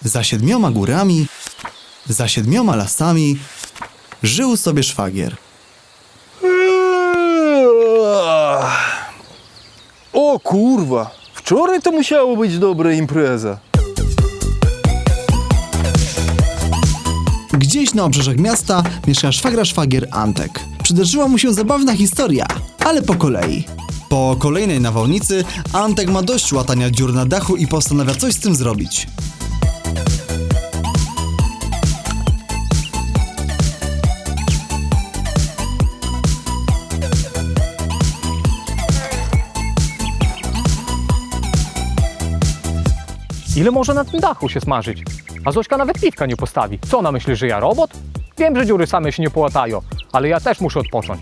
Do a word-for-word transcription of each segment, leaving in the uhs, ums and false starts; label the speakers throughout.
Speaker 1: Za siedmioma górami, za siedmioma lasami żył sobie szwagier.
Speaker 2: O kurwa, wczoraj to musiało być dobra impreza.
Speaker 1: Gdzieś na obrzeżach miasta mieszka szwagra szwagier Antek. Przydarzyła mu się zabawna historia, ale po kolei. Po kolejnej nawałnicy Antek ma dość łatania dziur na dachu i postanawia coś z tym zrobić.
Speaker 3: Ile może na tym dachu się smażyć? A Zośka nawet piwka nie postawi. Co ona myśli, że ja robot? Wiem, że dziury same się nie połatają, ale ja też muszę odpocząć.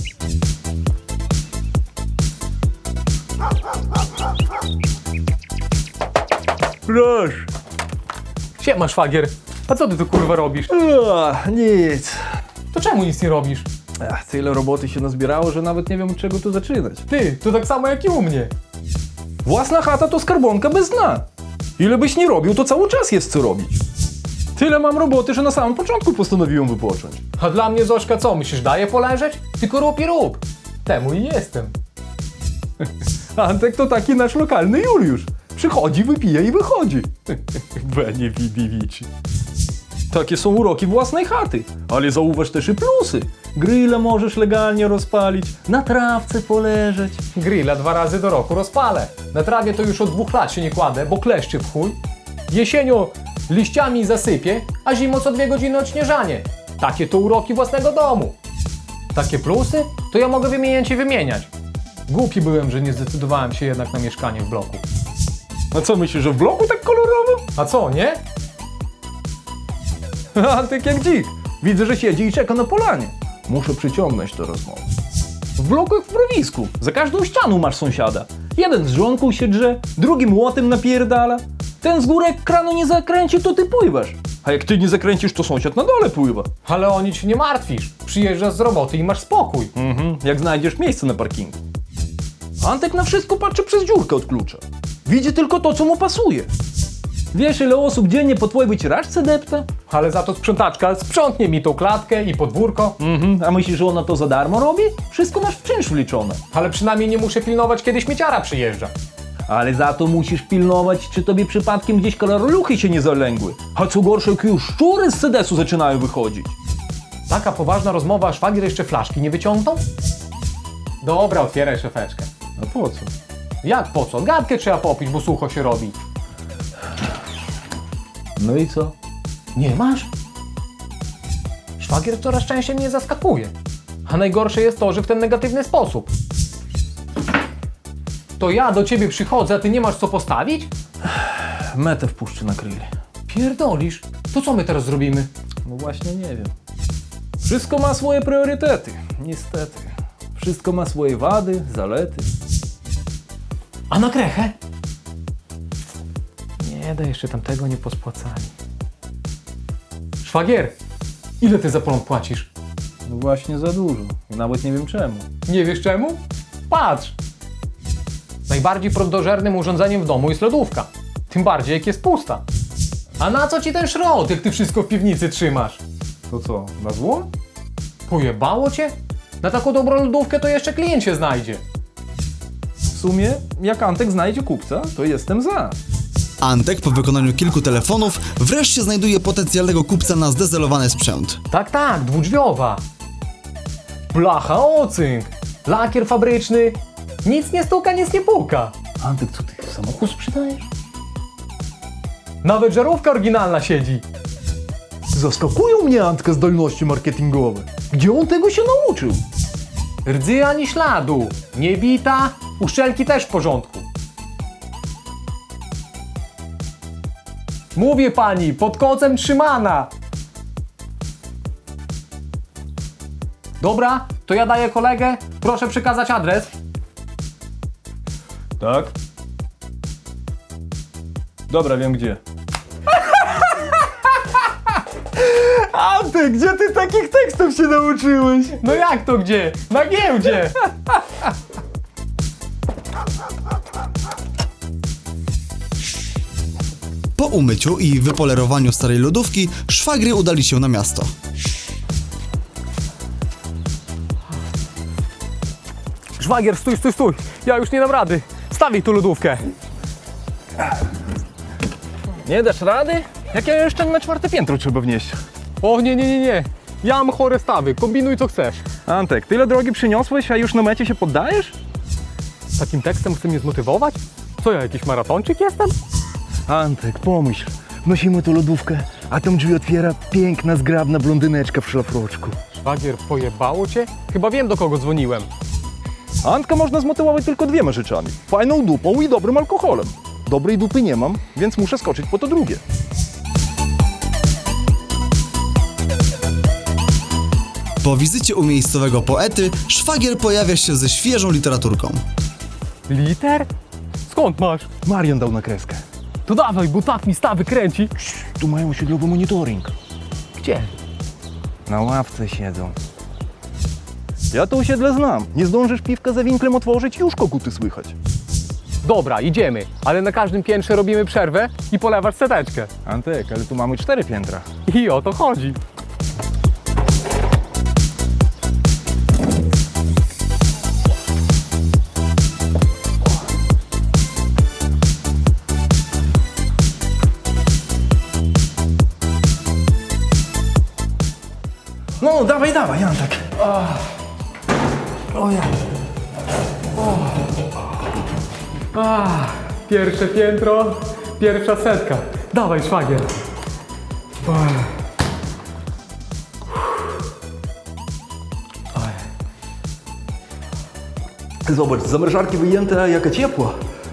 Speaker 2: Proszę.
Speaker 3: Siema, szwagier. A co ty tu kurwa robisz?
Speaker 2: A, nic.
Speaker 3: To czemu nic nie robisz?
Speaker 2: Ach, tyle roboty się nazbierało, że nawet nie wiem, od czego tu zaczynać.
Speaker 3: Ty, to tak samo jak i u mnie.
Speaker 2: Własna chata to skarbonka bez dna. Ile byś nie robił, to cały czas jest co robić. Tyle mam roboty, że na samym początku postanowiłem wypocząć.
Speaker 3: A dla mnie Zośka co, myślisz, daje poleżeć? Tylko rób i rób. Temu i jestem.
Speaker 2: Antek to taki nasz lokalny Juliusz. Przychodzi, wypija i wychodzi. Benie widiwici. Takie są uroki własnej chaty. Ale zauważ też i plusy. Grilla możesz legalnie rozpalić, na trawce poleżeć.
Speaker 3: Grilla dwa razy do roku rozpalę. Na trawie to już od dwóch lat się nie kładę, bo kleszczy w chuj. Jesienią liściami zasypię, a zimą co dwie godziny odśnieżanie. Takie to uroki własnego domu. Takie plusy to ja mogę wymieniać i wymieniać. Głupi byłem, że nie zdecydowałem się jednak na mieszkanie w bloku.
Speaker 2: A co myślisz, że w bloku tak kolorowo?
Speaker 3: A co, nie?
Speaker 2: Antek jak dzik. Widzę, że siedzi i czeka na polanie. Muszę przyciągnąć tę rozmowę. W bloku jak w mrowisku. Za każdą ścianą masz sąsiada. Jeden z żonką się drze, drugi młotem napierdala. Ten z góry jak kranu nie zakręci, to ty pływasz. A jak ty nie zakręcisz, to sąsiad na dole pływa.
Speaker 3: Ale o nic się nie martwisz. Przyjeżdżasz z roboty i masz spokój.
Speaker 2: Mhm, jak znajdziesz miejsce na parkingu. Antek na wszystko patrzy przez dziurkę od klucza. Widzi tylko to, co mu pasuje. Wiesz, ile osób dziennie po twojej wycieraczce depta?
Speaker 3: Ale za to sprzątaczka sprzątnie mi tą klatkę i podwórko.
Speaker 2: Mhm, a myślisz, że ona to za darmo robi? Wszystko masz w czynsz wliczone.
Speaker 3: Ale przynajmniej nie muszę pilnować, kiedy śmieciara przyjeżdża.
Speaker 2: Ale za to musisz pilnować, czy tobie przypadkiem gdzieś kaloruchy się nie zalęgły. A co gorsze, jak już szczury z sedesu zaczynają wychodzić.
Speaker 3: Taka poważna rozmowa, a szwagier jeszcze flaszki nie wyciągnął? Dobra, otwieraj szefeczkę.
Speaker 2: A po co?
Speaker 3: Jak po co? Gadkę trzeba popić, bo sucho się robi.
Speaker 2: No i co?
Speaker 3: Nie masz? Szwagier coraz częściej mnie zaskakuje. A najgorsze jest to, że w ten negatywny sposób. To ja do ciebie przychodzę, a ty nie masz co postawić?
Speaker 2: Metę wpuszczę na grill.
Speaker 3: Pierdolisz. To co my teraz zrobimy?
Speaker 2: No właśnie nie wiem. Wszystko ma swoje priorytety. Niestety. Wszystko ma swoje wady, zalety.
Speaker 3: A na krechę? Nie da, jeszcze tamtego nie pospłacali. Szwagier, ile ty za prąd płacisz?
Speaker 2: No właśnie za dużo. I nawet nie wiem czemu.
Speaker 3: Nie wiesz czemu? Patrz! Najbardziej prądożernym urządzeniem w domu jest lodówka. Tym bardziej jak jest pusta. A na co ci ten szrot, jak ty wszystko w piwnicy trzymasz?
Speaker 2: To co, na zło?
Speaker 3: Pojebało cię? Na taką dobrą lodówkę to jeszcze klient się znajdzie.
Speaker 2: W sumie, jak Antek znajdzie kupca, to jestem za.
Speaker 1: Antek po wykonaniu kilku telefonów wreszcie znajduje potencjalnego kupca na zdezelowany sprzęt.
Speaker 3: Tak, tak, dwudrzwiowa. Blacha, ocynk, lakier fabryczny. Nic nie stuka, nic nie puka.
Speaker 2: Antek, co ty samochód sprzedajesz?
Speaker 3: Nawet żarówka oryginalna siedzi.
Speaker 2: Zaskakują mnie Antka zdolności marketingowe. Gdzie on tego się nauczył?
Speaker 3: Rdzy ani śladu. Nie bita, uszczelki też w porządku. Mówię pani, pod kocem trzymana. Dobra, to ja daję kolegę. Proszę przekazać adres.
Speaker 2: Tak. Dobra, wiem gdzie. Antek, gdzie ty takich tekstów się nauczyłeś?
Speaker 3: No jak to gdzie? Na giełdzie.
Speaker 1: Po umyciu i wypolerowaniu starej lodówki, szwagry udali się na miasto.
Speaker 3: Szwagier, stój, stój, stój. Ja już nie dam rady. Stawię tu lodówkę.
Speaker 2: Nie dasz rady? Jak ja jeszcze na czwarte piętro trzeba wnieść.
Speaker 3: O nie, nie, nie, nie. Ja mam chore stawy. Kombinuj co chcesz.
Speaker 2: Antek, tyle drogi przyniosłeś, a już na mecie się poddajesz?
Speaker 3: Z takim tekstem chce mnie zmotywować? Co ja, jakiś maratończyk jestem?
Speaker 4: Antek, pomyśl, wnosimy tu lodówkę, a tam drzwi otwiera piękna, zgrabna blondyneczka w szlafroczku.
Speaker 3: Szwagier, pojebało cię? Chyba wiem, do kogo dzwoniłem.
Speaker 2: Antka można zmotywować tylko dwiema rzeczami. Fajną dupą i dobrym alkoholem. Dobrej dupy nie mam, więc muszę skoczyć po to drugie.
Speaker 1: Po wizycie u miejscowego poety, szwagier pojawia się ze świeżą literaturką.
Speaker 3: Liter? Skąd masz?
Speaker 4: Marian dał na kreskę.
Speaker 3: To dawaj, bo tak mi stawy kręci.
Speaker 4: Tu mają osiedlowy monitoring.
Speaker 3: Gdzie?
Speaker 4: Na ławce siedzą.
Speaker 2: Ja to osiedle znam. Nie zdążysz piwka za winklem otworzyć, już koguty słychać.
Speaker 3: Dobra, idziemy, ale na każdym piętrze robimy przerwę i polewasz seteczkę.
Speaker 4: Antek, ale tu mamy cztery piętra.
Speaker 3: I o to chodzi.
Speaker 2: No, dawaj, dawaj, Antek.
Speaker 3: Ah, pierwsze piętro, pierwsza setka. Dawaj, szwagier.
Speaker 2: Zobacz, z zamrażarki wyjęte, a jaka ciepła.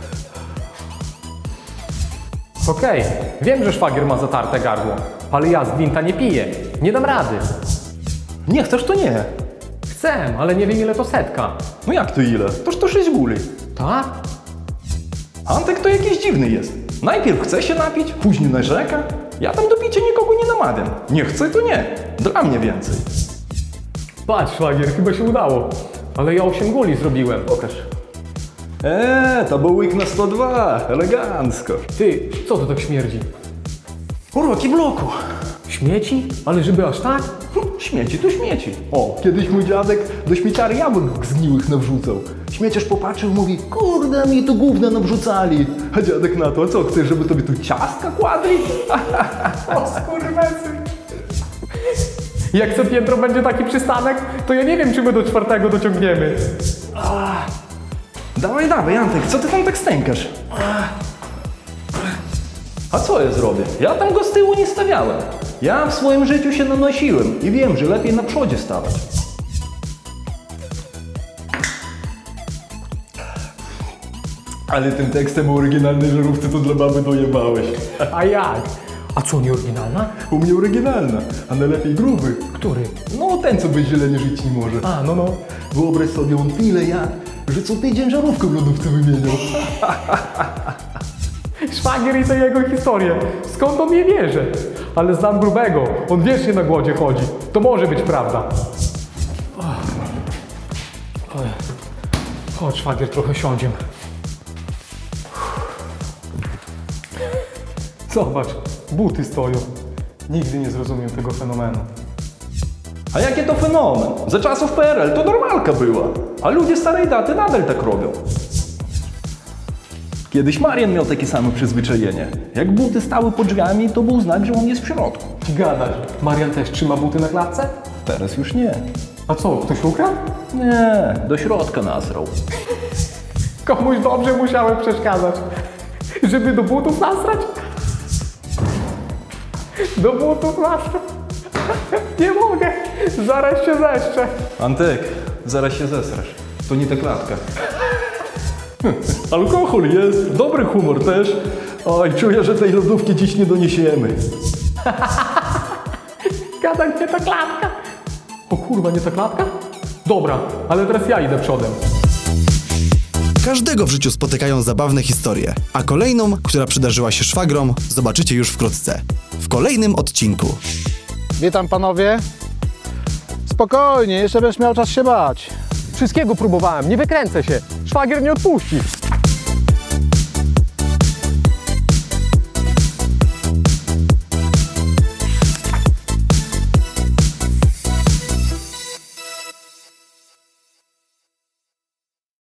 Speaker 3: Okej, wiem, że szwagier ma zatarte gardło, ale ja z gwinta nie piję. Nie dam rady.
Speaker 2: Nie chcesz, to nie.
Speaker 3: Chcę, ale nie wiem ile to setka.
Speaker 2: No jak to ile? Toż to sześć guli.
Speaker 3: Tak?
Speaker 2: Antek to jakiś dziwny jest. Najpierw chce się napić, później narzeka. Ja tam do picia nikogo nie namawiam. Nie chcę, to nie. Dla mnie więcej.
Speaker 3: Patrz, szwagier, chyba się udało. Ale ja osiem guli zrobiłem.
Speaker 2: Pokaż. Eee, to był łyk na sto dwa. Elegancko.
Speaker 3: Ty, co to tak śmierdzi?
Speaker 2: Uroki bloku.
Speaker 3: Śmieci? Ale żeby aż tak?
Speaker 2: Hm, Śmieci to śmieci. O, kiedyś mój dziadek do śmieciary jabłek zgniłych nawrzucał. Śmieciarz popatrzył, mówi, kurde, mi tu gówna nawrzucali. A dziadek na to, a co, chcesz, żeby tobie tu ciastka kładli?
Speaker 3: O skurwesy. Jak co piętro będzie taki przystanek, to ja nie wiem, czy my do czwartego dociągniemy.
Speaker 2: Dawaj, dawaj, Antek, co ty tam tak stękasz? A co ja zrobię? Ja tam go z tyłu nie stawiałem. Ja w swoim życiu się nanosiłem i wiem, że lepiej na przodzie stawać. Ale tym tekstem o oryginalnej żarówce to dla baby dojebałeś.
Speaker 3: A jak? A co, nie oryginalna?
Speaker 2: U mnie oryginalna, a najlepiej gruby.
Speaker 3: Który?
Speaker 2: No ten, co bez zieleni żyć nie może.
Speaker 3: A, no no.
Speaker 2: Wyobraź sobie, on tyle jadł, że co tydzień żarówkę w lodówce wymieniał.
Speaker 3: Szwagier i te jego historie. Skąd on je bierze? Ale znam grubego. On wiecznie na głodzie chodzi. To może być prawda. Chodź, szwagier, trochę siądziemy. Zobacz, buty stoją. Nigdy nie zrozumiem tego fenomenu.
Speaker 2: A jakie to fenomen? Za czasów P R L to normalka była, a ludzie starej daty nadal tak robią. Kiedyś Marian miał takie same przyzwyczajenie. Jak buty stały pod drzwiami, to był znak, że on jest w środku.
Speaker 3: Gadasz, Marian też trzyma buty na klatce?
Speaker 2: Teraz już nie.
Speaker 3: A co, ktoś ukradł?
Speaker 2: Nie, do środka nasrał.
Speaker 3: Komuś dobrze musiałem przeszkadzać. Żeby do butów nasrać? Do butów nasrać? Nie mogę, zaraz się zeszczę.
Speaker 2: Antek, zaraz się zesrasz. To nie ta klatka. Alkohol jest, dobry humor też. Oj, czuję, że tej lodówki dziś nie doniesiemy.
Speaker 3: Gadaj, nie ta klatka. O kurwa, nie ta klatka? Dobra, ale teraz ja idę przodem.
Speaker 1: Każdego w życiu spotykają zabawne historie, a kolejną, która przydarzyła się szwagrom, zobaczycie już wkrótce. W kolejnym odcinku.
Speaker 5: Witam panowie. Spokojnie, jeszcze będziesz miał czas się bać.
Speaker 3: Wszystkiego próbowałem, nie wykręcę się. Szwagier nie odpuści.